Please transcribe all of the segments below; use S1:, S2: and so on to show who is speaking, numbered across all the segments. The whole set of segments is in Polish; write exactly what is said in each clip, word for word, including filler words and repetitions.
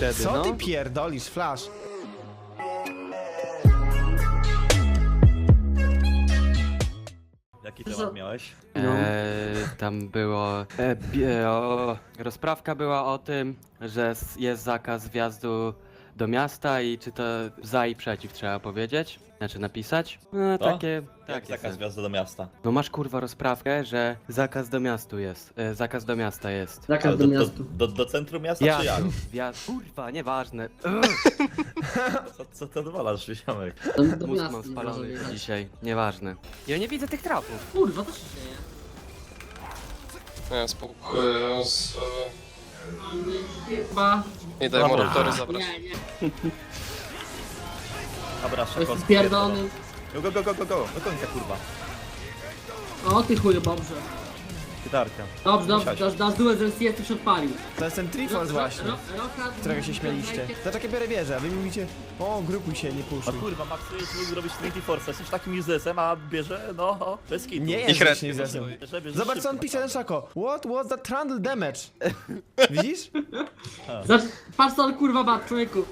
S1: wtedy,
S2: Co
S1: no.
S2: ty pierdolisz, Flash?
S3: Jaki temat miałeś?
S1: Eee, tam było... E, bie, o, rozprawka była o tym, że s- jest zakaz wjazdu do miasta i czy to za i przeciw trzeba powiedzieć? Znaczy napisać? No
S3: To?
S1: takie...
S3: Jak
S1: takie
S3: zakaz
S1: se.
S3: wjazdu do miasta?
S1: No masz kurwa rozprawkę, że zakaz do miastu jest. E, zakaz do miasta jest.
S4: Zakaz
S3: Ale
S4: do
S3: do, do,
S4: miastu.
S3: do, do centrum miasta
S1: Ja,
S3: czy jak?
S1: wjazd, kurwa, nieważne.
S3: Co, co ty odwalasz, Ziomek?
S4: Do, do
S1: Mózg
S4: miasta
S1: mam
S4: nie
S1: spalony
S4: może jechać.
S1: dzisiaj, nieważne. Ja nie widzę tych trafów.
S4: Kurwa, co się dzieje?
S5: Nie, spoko. Yy, z...
S4: Chyba...
S5: Nie daj mu raptory zabrać.
S4: Nie, nie.
S3: Dobra,
S4: To jest
S3: szybko.
S4: spierdolony.
S3: Go, go, go, go, go, go, do końca, kurwa.
S4: O ty chuju, dobrze.
S3: Gitarka.
S4: Dobrze, dobrze,
S3: Siadź.
S4: dasz, dasz duet, że C S już odpalił.
S2: To jest ten Triforce właśnie,
S4: Ro- Roka-
S2: którego się śmieliście. Za takie biorę wieżę, a wy mi mówicie, o, grupuj się, nie
S3: A
S2: puszczuj.
S3: kurwa, Max, jest zrobić Trinity Force, jesteś takim uselessem, a bierze, no, bez kitu.
S2: Nie
S5: I
S2: jest
S5: kret.
S2: właśnie zesem.
S3: Bierze, bierze
S2: Zobacz co on
S3: szybko,
S2: pisze na szako. What was the trundle damage? Widzisz?
S4: Zacz, patrz co on kurwa ma, człowieku.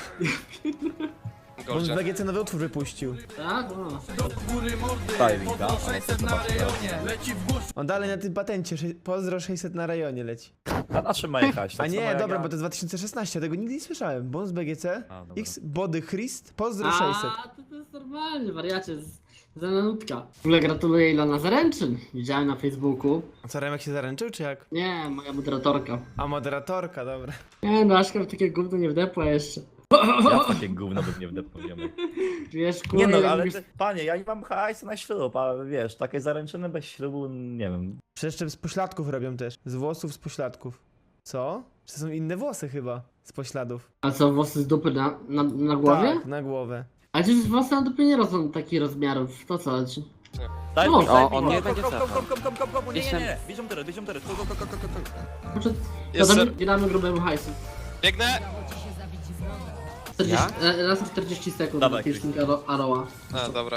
S2: On w
S5: Gościa.
S2: B G C nowy utwór wypuścił.
S4: Tak? O.
S3: Stylinga, ale to zobaczmy.
S2: On dalej na tym patencie, sze- pozdro sześćset na rejonie leci.
S3: A na czym ma jechać?
S2: A
S3: Tak samo
S2: nie,
S3: jak
S2: dobra,
S3: ja.
S2: bo to jest dwa tysiące szesnaście, tego nigdy nie słyszałem. Bonus B G C,
S3: A, dobra.
S2: X, Body Christ, pozdro sześćset.
S4: A, to, to jest normalnie, wariacie. z- Za nanutka. W ogóle gratuluję Ilona zaręczyn. Widziałem na Facebooku.
S2: A co, Remek się zaręczył, czy jak?
S4: Nie, moja moderatorka.
S2: A moderatorka, dobra.
S4: Nie, no Aśka w takie gówno nie wdepła jeszcze.
S3: Ja w takie gówno bym nie wdepnął, Ziomek.
S4: Wiesz, kurwa,
S3: Nie no,
S4: jak
S3: ale
S4: mówisz-
S3: ty, panie, ja nie mam hajsu na ślub, a wiesz, takie zaręczyny bez ślubu, nie wiem.
S2: Przecież jeszcze z pośladków robią też. Z włosów, z pośladków. Co? Czy to są inne włosy chyba? Z pośladów.
S4: A co, włosy z dupy na, na, na głowie?
S2: Tak, na głowę.
S4: A przecież włosy na dupie nie rosną takich rozmiarów. To co? chodzi?
S3: Daj
S4: No.
S3: mi, daj
S1: O,
S3: mi,
S1: on
S3: go,
S1: nie
S3: go,
S1: będzie
S3: go, go,
S1: cofał.
S3: go, go, go, go, go, nie, nie,
S1: Jestem-
S3: nie, bierzemy teraz, bierzemy teraz, go, go, go, go, go, go, go.
S4: Znaczy, to
S5: Jest
S4: tam
S5: ser...
S4: gramy grubemu hajsu.
S5: Biegnę!
S4: czterdzieści, e, raz na czterdzieści sekund
S3: Dawaj,
S4: do piercing aro, Aroa.
S5: A, dobra.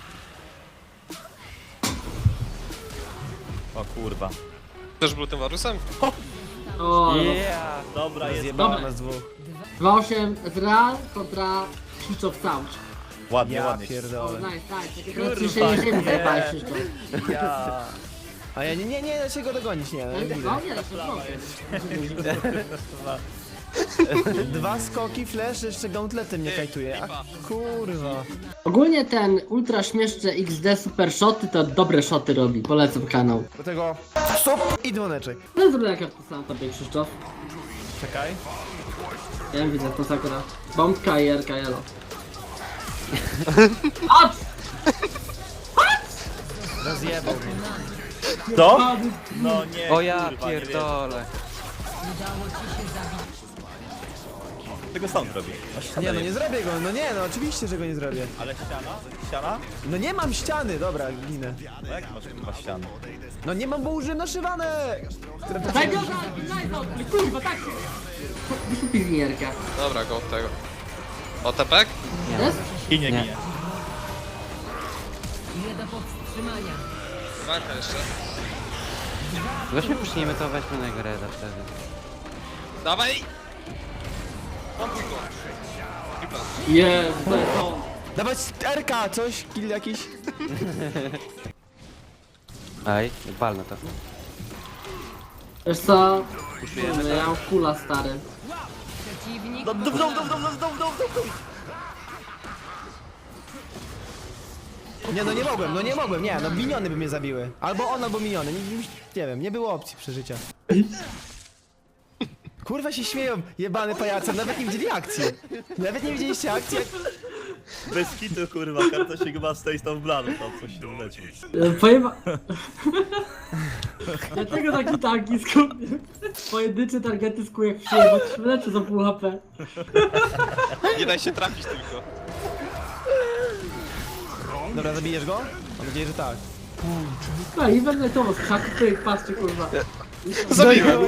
S3: O kurwa.
S5: Też był tym Warusem?
S4: O,
S3: Yeah, dobra, jest,
S2: Zjebała
S4: Dobra.
S2: nas dwóch.
S4: dwa osiem Ezreal kontra Switch of Sound.
S3: ładnie,
S2: Ja
S3: ładnie.
S4: O,
S2: pierdolę.
S4: nice, nice. Takie
S3: Kurwa,
S4: trzy sześć ziemi
S3: nie.
S4: zajebałeś Switch.
S3: Ja.
S2: A ja nie, nie, nie, da się go dogonić, nie. No, widzę.
S4: No nie, to jest
S2: Dwa skoki, flash, jeszcze gauntletem nie kajtuje. A kurwa.
S4: Ogólnie ten ultra śmieszny X D super shoty to dobre shoty robi. Polecam kanał.
S2: Do tego stop i dzwoneczek.
S4: No zrobię jak ja wpisałem tobie Krzysztof.
S2: Czekaj.
S4: Ja wiem, widzę to sakura. Bombka i R K L. Ot!
S2: Rozjebał mnie.
S3: Co? No nie,
S1: O ja
S3: kurwa, nie wierzę.
S1: pierdolę.
S3: Tego sound robi. No, ściana
S2: Nie no, nie
S3: jest.
S2: zrobię go, no nie no, oczywiście, że go nie zrobię.
S3: Ale ściana? Ściana?
S2: No nie mam ściany, dobra, ginę.
S3: No jak masz chyba ścianę?
S2: No nie mam, bo użyłem naszywane! Które to
S4: Daj go, daj go, kurwa, tak się. Wykupi zmierka.
S5: Dobra, go od tego. O, tepek?
S4: Jest?
S3: Ginie,
S1: Nie.
S3: ginie.
S5: Walka jeszcze.
S1: Weźmy puśnijmy to, weźmy na grę wtedy.
S5: Dawaj! Mam go. Tripa.
S4: Jest, to jest on.
S2: Dawać R K, coś, kill jakiś.
S1: Ej, walno to.
S4: Wiesz co?
S1: Puszujemy
S4: Kurde, ja mam kula stary.
S3: Do, do, do, do, do, do, do, do, do.
S2: Nie no nie mogłem, no nie mogłem, nie, no miniony by mnie zabiły. Albo on, albo miniony, nie, nie, nie wiem, nie było opcji przeżycia. Kurwa się śmieją, jebany pajace, nawet nie widzieli akcji. Nawet nie widzieliście akcji, jak...
S3: Bez kitu, kurwa, karta się chyba stoi z tą bladą, tam coś się leci.
S4: E, Pojeba... Dlaczego taki tanki skupię? Pojedyncze targety skuje jak przyjemność, lecę za pół H P.
S5: Nie daj się trafić tylko.
S2: Dobra, zabijesz go? Mam nadzieję, że tak.
S4: No i będę to z krzaku, pyk, patrzcie kurwa.
S5: Zabiłem!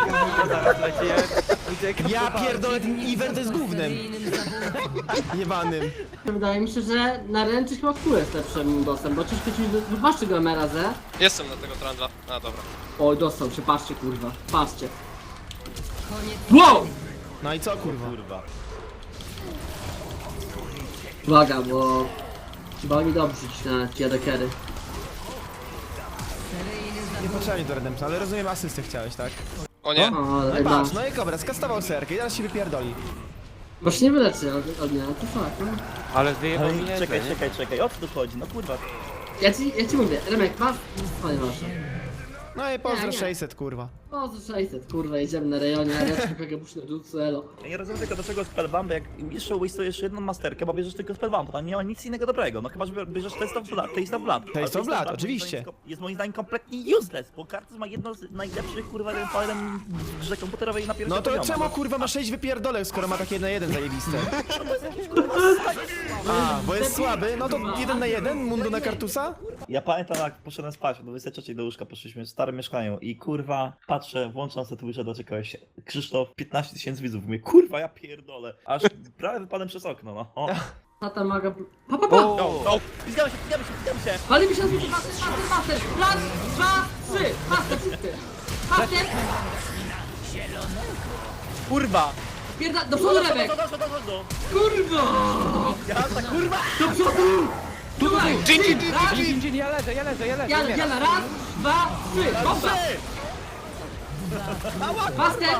S2: Ja pierdolę, ten event jest gównem. Jebanym.
S4: Wydaje mi się, że na ręczy chyba kół jest lepszym dosem, bo ciężko ci... Wypatrzcie go M R A Z.
S5: Jestem na tego trandla. A, dobra.
S4: Oj, dostał się, patrzcie kurwa, patrzcie. Wow!
S2: No i co kurwa?
S3: Kurwa.
S4: Uwaga, bo... Chyba oni dobrze ci na kierekery.
S2: Nie potrzeba mi do Redemption, ale rozumiem asystę chciałeś, tak?
S5: O nie.
S4: O,
S2: No
S4: ale
S2: i
S4: no.
S2: patrz, no i kobra, skastował serkę i teraz się wypierdoli.
S4: Bo się nie wyleczy od, od mnie, no to fakt. No.
S1: Ale wyjechał mi nieźle,
S3: Czekaj,
S1: nie?
S3: czekaj, czekaj, o co tu chodzi? No kurwa.
S4: Ja ci, ja ci mówię, Remek, masz swoje wasze.
S2: No i pozdro
S4: Nie, nie.
S2: sześćset, kurwa.
S4: O, za sześćset, kurwa, jedziemy na rejonie, a ja ci kogo puszczę do elo.
S3: Ja nie rozumiem tylko dlaczego spellbump, jak jeszcze wastujesz jedną masterkę, bo bierzesz tylko spellbump, to nie ma nic innego dobrego. No chyba, że bierzesz Taste of Blood, Taste of Blood. Ale
S2: Taste of Blood,
S3: moim
S2: oczywiście.
S3: zdaniem Jest moim zdaniem kompletnie useless, bo Kartus ma jedno z najlepszych kurwa falem w grze komputerowej na pierwszym
S2: No to
S3: poziomie.
S2: czemu kurwa ma sześć wypierdolek, skoro ma tak jeden na jeden zajebiste? A, bo jest słaby, no to jeden na jeden, mundu na Kartusa?
S3: Ja pamiętam jak poszedłem spać, do dwudziestej trzeciej do łóżka poszliśmy w starym mieszkaniu i kurwa patrzę, włączam sobie Twitcha, doczekałeś Krzysztof, piętnaście tysięcy widzów, mówię kurwa ja pierdolę, aż prawie wypadłem przez okno, no. O,
S4: Tata maga... Pa, pa, pa!
S3: no, no, zgadzamy się, zgadzamy się, zgadzamy się!
S4: Pali mi się z master, master, master! Raz, dwa, trzy! Master, wszyscy! Master!
S3: Kurwa!
S4: Pierda... Do przodu, Remek!
S3: Do, do, do, do, do, do.
S4: Kurwa!
S3: Ja tak kurwa!
S4: Do przodu! Tutaj!
S5: Dżin, dżin, dżin,
S4: Raz,
S1: Dzień, dzień, ja leżę, ja leżę, ja leżę,
S4: Jana,
S1: umieram.
S4: Jana, raz, dwa, trzy! Dobra! Master!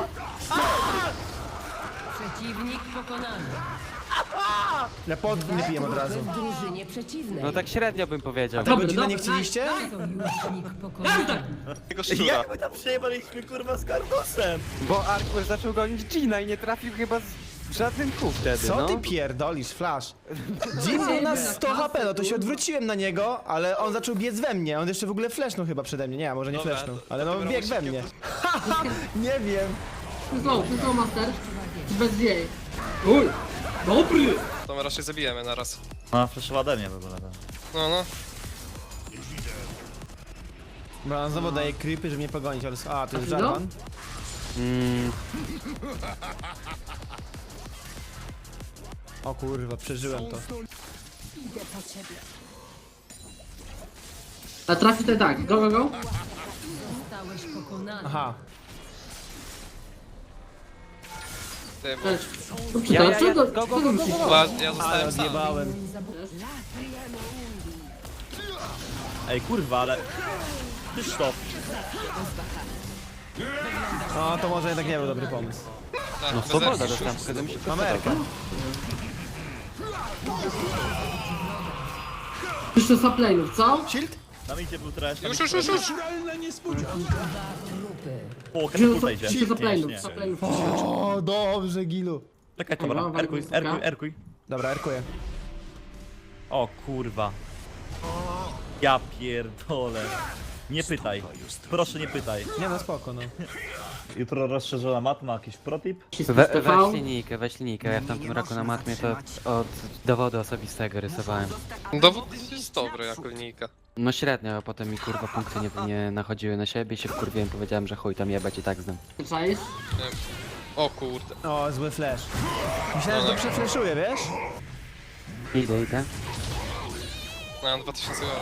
S6: Przeciwnik pokonany.
S2: Ja pod nie pijem od razu.
S6: W drużynie przeciwnej.
S1: No tak średnio bym powiedział.
S2: Tego
S4: Dobry,
S2: Gina nie
S4: dobry,
S2: chcieliście?
S6: Sojusznik pokonany.
S5: Tego szczura.
S3: Jak my tam przejebaliśmy kurwa z Kartusem?
S1: Bo Arkur zaczął gonić Gina i nie trafił chyba z w żaden kół wtedy,
S2: Co
S1: no.
S2: ty pierdolisz, Flash? Jim był na sto H P, no to się odwróciłem na niego, ale on zaczął biec we mnie. On jeszcze w ogóle flashnął chyba przede mnie. Nie, może nie
S5: Dobra,
S2: flashnął,
S5: to-
S2: ale no
S5: dlatego
S2: biegł we
S5: robisz
S2: mnie. Haha, nie wiem.
S4: Znowu, znowu, master! Bez jej! Uj! Dobry!
S5: To my raczej zabijemy naraz.
S3: No, przeszła ode mnie w ogóle. tak.
S5: No, no.
S2: Bo on znowu daje creepy, żeby mnie pogonić, ale... A, to jest
S4: No.
S2: Jarvan.
S1: Mm,
S2: O kurwa, przeżyłem to.
S4: A trafi to tak, go, go, go!
S6: Zostałeś pokonany.
S2: Aha.
S5: Ty, bo...
S4: Cześć. Dobrze,
S1: Ja,
S4: to,
S1: ja,
S4: co
S1: ja,
S4: to,
S1: go,
S4: co
S1: go,
S4: to
S1: go,
S4: musisz?
S1: go, go.
S5: Chyba ja
S2: Ale
S5: zostałem sam.
S2: odjebałem.
S3: Ej kurwa, ale... Krzysztof!
S2: No to może jednak nie był dobry pomysł.
S5: Tak,
S1: no
S5: bez
S1: swoboda
S5: erki.
S1: dostałem, pokazał mi się
S2: Mamy Erkę.
S4: Jeszcze saplejnów, co?
S2: Shield?
S3: Tam idzie był trash. tam
S5: Już,
S3: idzie
S5: już, już,
S3: trash.
S5: już!
S3: O,
S4: Jeszcze
S3: katapulta idzie.
S4: jeszcze
S3: Nie,
S4: saplejnów,
S3: nie.
S4: saplejnów.
S2: O, dobrze, Gilu.
S3: Czekaj,
S4: Dobra,
S3: dobra, erkuj,
S4: walka
S3: erkuj,
S4: wysoka.
S3: erkuj.
S2: Dobra, erkuję.
S3: O kurwa. Ja pierdolę. Nie pytaj. Proszę nie pytaj.
S2: Nie no, spoko, no.
S3: Jutro rozszerzona matma, jakiś protip?
S1: We, weź linijkę, weź linijkę. Ja w tamtym roku na matmie to od dowodu osobistego rysowałem.
S5: Dowód jest dobry jako linijka.
S1: No średnio, a potem mi kurwa punkty nie, nie nachodziły na siebie, się wkurwiłem, powiedziałem, że chuj tam jebać i tak znam.
S4: Czaisz?
S5: O kurde.
S2: O, zły flash. Myślałem, że to przefleszuje, wiesz?
S1: Idę, idę.
S5: Mam dwa tysiące euro.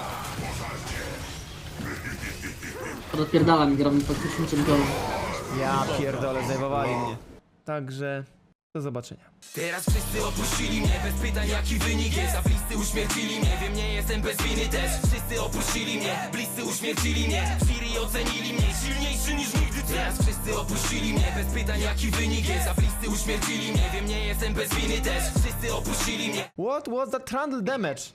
S4: Odpierdala mi gram pod tysiącem gołów.
S2: Ja pierdolę, zajmowali mnie. Także, do zobaczenia.
S7: Teraz wszyscy opuścili mnie, bez pytań jaki wynik jest. A bliscy uśmiercili mnie, wiem nie jestem bez winy też. Wszyscy opuścili mnie, bliscy uśmiercili mnie. Siri ocenili mnie, silniejszy niż nigdy. Teraz wszyscy opuścili mnie, bez pytań jaki wynik jest. A bliscy uśmiercili mnie, wiem nie jestem bez winy też. Wszyscy opuścili mnie.
S2: What was that trundle damage?